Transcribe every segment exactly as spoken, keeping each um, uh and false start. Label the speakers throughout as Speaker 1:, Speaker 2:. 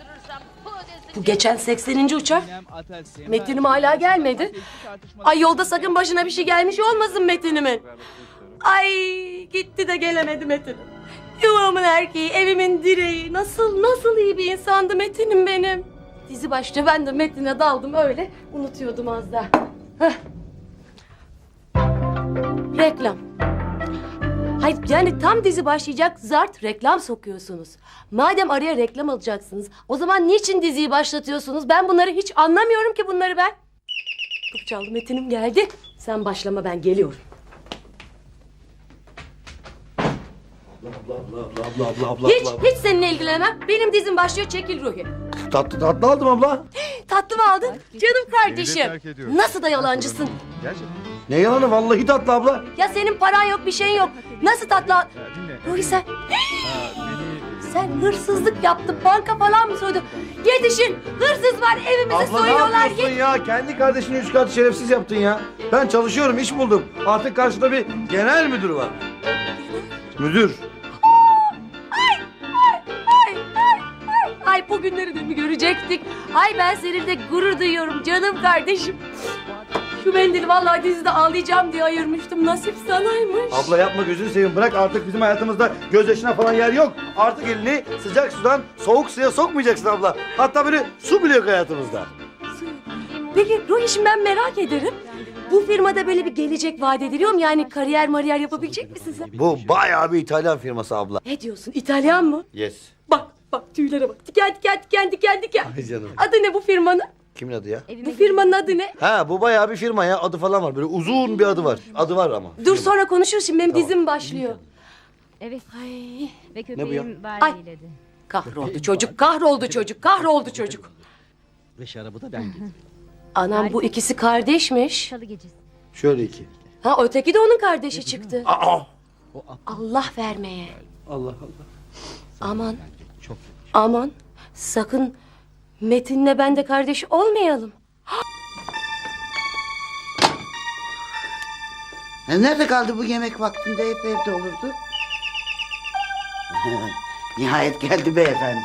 Speaker 1: Bu geçen sekseninci uçak. Metin'im hala gelmedi. Ay yolda sakın başına bir şey gelmiş olmasın Metin'imin. Ay gitti de gelemedi Metin'im. Yuvamın erkeği, evimin direği. Nasıl nasıl iyi bir insandı Metin'im benim. Dizi başta ben de Metin'e daldım öyle. Unutuyordum az daha. Heh. Reklam. Hayır yani tam dizi başlayacak zart reklam sokuyorsunuz. Madem araya reklam alacaksınız o zaman niçin diziyi başlatıyorsunuz? Ben bunları hiç anlamıyorum ki bunları ben. Kapı çaldı Metin'im geldi. Sen başlama ben geliyorum.
Speaker 2: Abla abla abla abla abla abla.
Speaker 1: Hiç hiç seninle ilgilenemem. Benim dizim başlıyor çekil Ruhi.
Speaker 2: Tatlı tatlı aldım abla.
Speaker 1: Tatlı mı aldın? Canım kardeşim. Nasıl da yalancısın?
Speaker 2: Ne yalanı vallahi tatlı abla.
Speaker 1: Ya senin paran yok bir şeyin yok. Nasıl tatlı al- Ruhi sen... Sen hırsızlık yaptın, banka falan mı soydun? Yetişin, hırsız var, evimizi
Speaker 2: Abla ne
Speaker 1: soyuyorlar.
Speaker 2: yapıyorsun ya? Kendi kardeşini üç kat şerefsiz yaptın ya. Ben çalışıyorum, iş buldum. Artık karşıda bir genel müdür var. Müdür.
Speaker 1: Ay, ay, ay. Ay bu günleri de mi görecektik? Ay ben seninle gurur duyuyorum canım kardeşim. Şu mendili vallahi dizide ağlayacağım diye ayırmıştım. Nasip sanaymış.
Speaker 2: Abla yapma gözünü seveyim. Bırak artık bizim hayatımızda gözyaşına falan yer yok. Artık elini sıcak sudan soğuk suya sokmayacaksın abla. Hatta böyle su bile yok hayatımızda.
Speaker 1: Peki Ruhi şimdi ben merak ederim. Bu firmada böyle bir gelecek vaat ediliyor mu? Yani kariyer mariyer yapabilecek misin sen?
Speaker 2: Bu bayağı bir İtalyan firması abla.
Speaker 1: Ne diyorsun? İtalyan mı?
Speaker 2: Yes.
Speaker 1: Bak bak tüylere bak. Diken diken diken diken diken.
Speaker 2: Ay canım.
Speaker 1: Adı ne bu firmanın?
Speaker 2: Kimin adı ya?
Speaker 1: Bu firmanın adı ne?
Speaker 2: Ha bu bayağı bir firma ya. Adı falan var. Böyle uzun bir adı var. Adı var ama.
Speaker 1: Dur sonra konuşuruz şimdi benim dizim başlıyor.
Speaker 3: Evet.
Speaker 1: Ay.
Speaker 3: Ve
Speaker 2: Ne bu ya?
Speaker 3: köpeğim
Speaker 1: Ay.
Speaker 3: Barbie'yledi.
Speaker 1: Kahroldu çocuk, kahroldu çocuk, kahroldu çocuk.
Speaker 4: Ve şarabı da ben getirdim.
Speaker 1: Anam bu ikisi kardeşmiş.
Speaker 3: Salı gecesi.
Speaker 2: Şöyle iki.
Speaker 1: Ha öteki de onun kardeşi çıktı.
Speaker 2: Aa!
Speaker 1: Allah vermeye.
Speaker 2: Allah Allah.
Speaker 1: Aman,
Speaker 4: Çok
Speaker 1: aman. Sakın Metin'le ben de kardeş olmayalım.
Speaker 5: E, Nerede kaldı bu yemek vaktinde hep evde olurdu? Nihayet geldi beyefendi.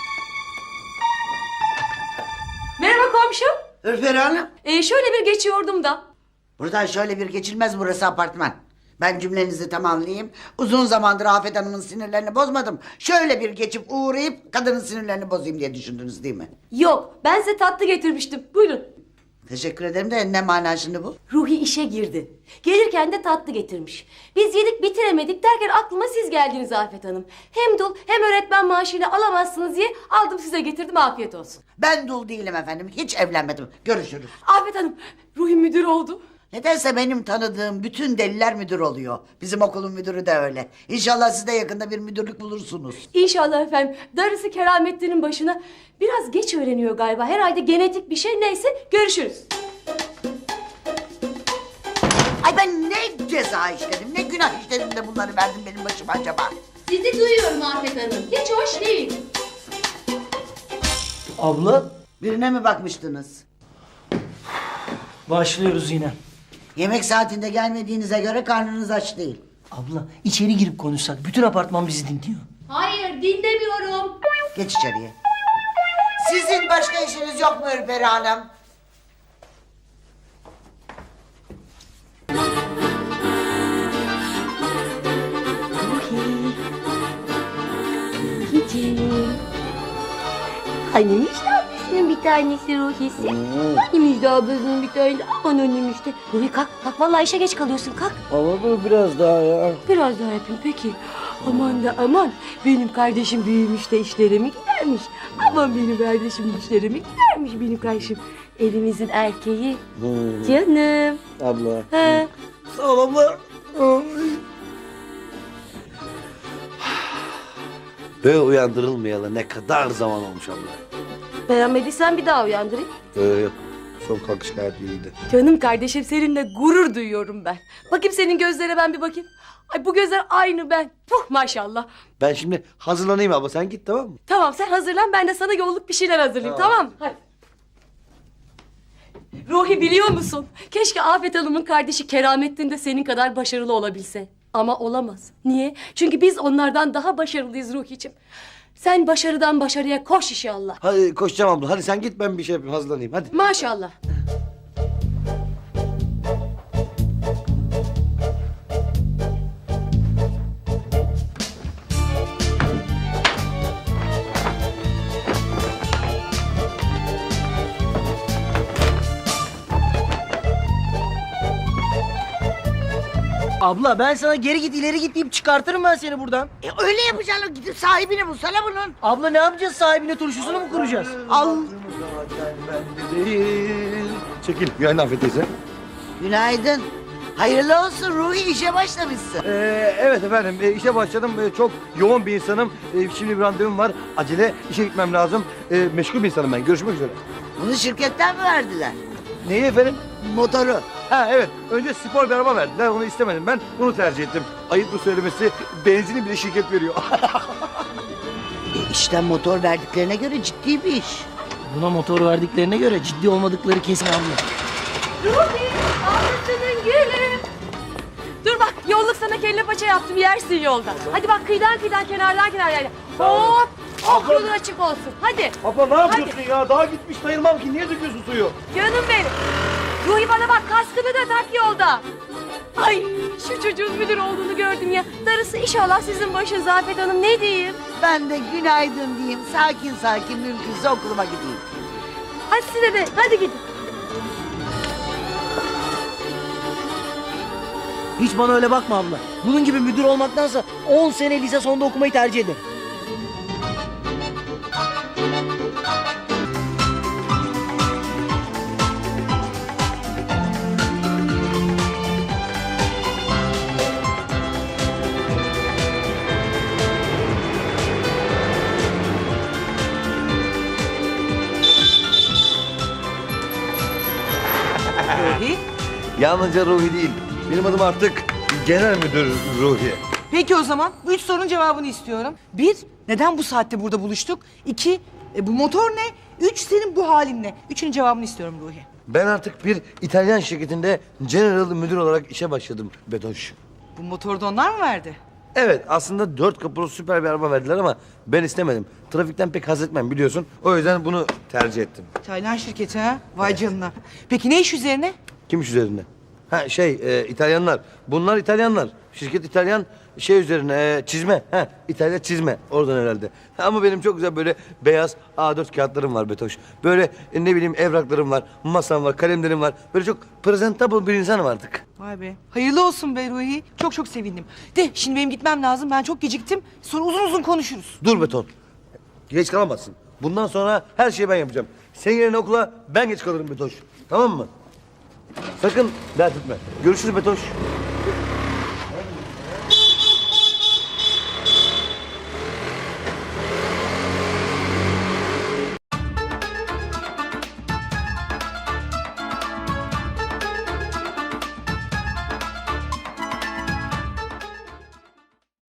Speaker 1: Merhaba komşum.
Speaker 5: Ürperi Hanım.
Speaker 1: Ee, şöyle bir geçiyordum da.
Speaker 5: Buradan şöyle bir geçilmez, burası apartman. Ben cümlenizi tamamlayayım. Uzun zamandır Afet Hanım'ın sinirlerini bozmadım. Şöyle bir geçip uğrayıp kadının sinirlerini bozayım diye düşündünüz değil mi?
Speaker 1: Yok, ben size tatlı getirmiştim. Buyurun.
Speaker 5: Teşekkür ederim de ne mana şimdi bu?
Speaker 1: Ruhi işe girdi. Gelirken de tatlı getirmiş. Biz yedik bitiremedik derken aklıma siz geldiniz Afet Hanım. Hem dul hem öğretmen maaşıyla alamazsınız diye aldım size getirdim afiyet olsun.
Speaker 5: Ben dul değilim efendim. Hiç evlenmedim. Görüşürüz.
Speaker 1: Afet Hanım, Ruhi müdür oldu.
Speaker 5: Nedense benim tanıdığım bütün deliler müdür oluyor. Bizim okulun müdürü de öyle. İnşallah siz de yakında bir müdürlük bulursunuz.
Speaker 1: İnşallah efendim. Darısı Keramettin'in başına. Biraz geç öğreniyor galiba. Herhalde genetik bir şey. Neyse görüşürüz.
Speaker 5: Ay ben ne ceza işledim, ne günah işledim de bunları verdim benim başıma acaba?
Speaker 1: Sizi duyuyorum Afet Hanım. Hiç hoş değil.
Speaker 4: Abla
Speaker 5: Birine mi bakmıştınız?
Speaker 4: başlıyoruz yine.
Speaker 5: Yemek saatinde gelmediğinize göre karnınız aç değil.
Speaker 4: Abla içeri girip konuşsak bütün apartman bizi dinliyor.
Speaker 1: Hayır dinlemiyorum.
Speaker 5: Geç içeriye. Sizin başka işiniz yok mu Ürperi Hanım?
Speaker 1: Hanimiş ablasının bir tanesi Ruhi'si. Hanimiş de ablasının bir tanesi. Aman önüm işte. Ruhi kalk kalk vallahi işe geç kalıyorsun kalk.
Speaker 2: Ama dur biraz daha ya.
Speaker 1: Biraz daha yapayım peki. Aman da aman. Benim kardeşim büyümüş de işlerimi gidermiş. Aman benim kardeşim işlerimi gidermiş benim kardeşim. Evimizin erkeği. Canım.
Speaker 2: Abla.
Speaker 1: Ha.
Speaker 2: Sağ ol abla. Böyle uyandırılmayalı ne kadar zaman olmuş abla.
Speaker 1: Beğenmediysen bir daha uyandırayım.
Speaker 2: Ee, yok. Son kalkış gayet iyiydi.
Speaker 1: Canım kardeşim seninle gurur duyuyorum ben. Bakayım senin gözlere ben bir bakayım. Ay bu gözler aynı ben. Puh maşallah.
Speaker 2: Ben şimdi hazırlanayım abla. Sen git tamam mı?
Speaker 1: Tamam sen hazırlan ben de sana yolluk bir şeyler hazırlayayım tamam, tamam mı? Hadi. Ruhi biliyor musun? Keşke Afet Hanım'ın kardeşi Keramettin de senin kadar başarılı olabilse. Ama olamaz. Niye? Çünkü biz onlardan daha başarılıyız Ruhi'cim. Sen başarıdan başarıya koş inşallah.
Speaker 2: Hadi koşacağım abla. Hadi sen git, ben bir şey yapayım, hazırlanayım. Hadi.
Speaker 1: Maşallah.
Speaker 4: Abla ben sana geri git ileri git deyip çıkartırım ben seni buradan.
Speaker 5: E öyle yapacaksın. Gidip sahibini bulsana bunun.
Speaker 4: Abla ne yapacağız, sahibine turşusunu mu kuracağız?
Speaker 5: Al.
Speaker 2: Çekil. Günaydın Afet teyze.
Speaker 5: Günaydın. Hayırlı olsun Ruhi, işe başlamışsın.
Speaker 2: Ee, evet efendim, e, işe başladım. E, çok yoğun bir insanım. E, şimdi bir randevum var. Acele işe gitmem lazım. E, meşgul bir insanım ben. Görüşmek üzere.
Speaker 5: Bunu şirketten mi verdiler?
Speaker 2: Neyi efendim?
Speaker 5: Motoru.
Speaker 2: Ha evet, önce spor bir araba verdiler. Onu istemedim ben. Bunu tercih ettim. Ayıp bu söylemesi. Benzini bile şirket veriyor.
Speaker 5: E işten motor verdiklerine göre ciddi bir iş.
Speaker 4: Buna motor verdiklerine göre ciddi olmadıkları kesin abla.
Speaker 1: Ruhi, ağzının gülü. Dur bak, yolluk sana kelle paça yaptım, yersin yolda. Hadi bak, kıyıdan kıyıdan, kenardan kenardan. Hop, hop, yolun açık olsun. Hadi.
Speaker 2: Abla ne yapıyorsun ya? Daha gitmiş sayılmam ki. Niye döküyorsun suyu?
Speaker 1: Canım benim. Ruhi bana bak, kaskını da tak yolda. Ay, şu çocuğun müdür olduğunu gördüm ya. Darısı inşallah sizin başınıza Afet Hanım, ne diyeyim?
Speaker 5: Ben de günaydın diyeyim. Sakin sakin mümkünse okuluma gideyim.
Speaker 1: Hadi size de, hadi gidin.
Speaker 4: Hiç bana öyle bakma abla. Bunun gibi müdür olmaktansa on sene lise sonunda okumayı tercih ederim.
Speaker 2: Yalnızca Ruhi değil. Benim adım artık Genel Müdür Ruhi.
Speaker 3: Peki o zaman bu üç sorunun cevabını istiyorum. Bir, neden bu saatte burada buluştuk? İki, e, bu motor ne? Üç, senin bu halin ne? Üçünün cevabını istiyorum Ruhi.
Speaker 2: Ben artık bir İtalyan şirketinde General Müdür olarak işe başladım Betoş.
Speaker 3: Bu motoru da onlar mı verdi?
Speaker 2: Evet, aslında dört kapılı süper bir araba verdiler ama ben istemedim. Trafikten pek haz etmem biliyorsun. O yüzden bunu tercih ettim.
Speaker 3: İtalyan şirketi ha? Vay canına. Peki ne iş üzerine?
Speaker 2: Kim iş üzerinde? Ha şey, e, İtalyanlar. Bunlar İtalyanlar. Şirket İtalyan, şey üzerine e, çizme. Ha, İtalya çizme. Oradan herhalde. Ha, ama benim çok güzel böyle beyaz A dört kağıtlarım var Betoş. Böyle e, ne bileyim evraklarım var, masam var, kalemlerim var. Böyle çok presentable bir insanım artık.
Speaker 3: Vay be. Hayırlı olsun be Ruhi. Çok çok sevindim. De şimdi benim gitmem lazım. Ben çok geciktim. Sonra uzun uzun konuşuruz.
Speaker 2: Dur Beton. Geç kalamazsın. Bundan sonra her şeyi ben yapacağım. Senin yerine okula ben geç kalırım Betoş. Tamam mı? Sakın dert etme. Görüşürüz Betoş.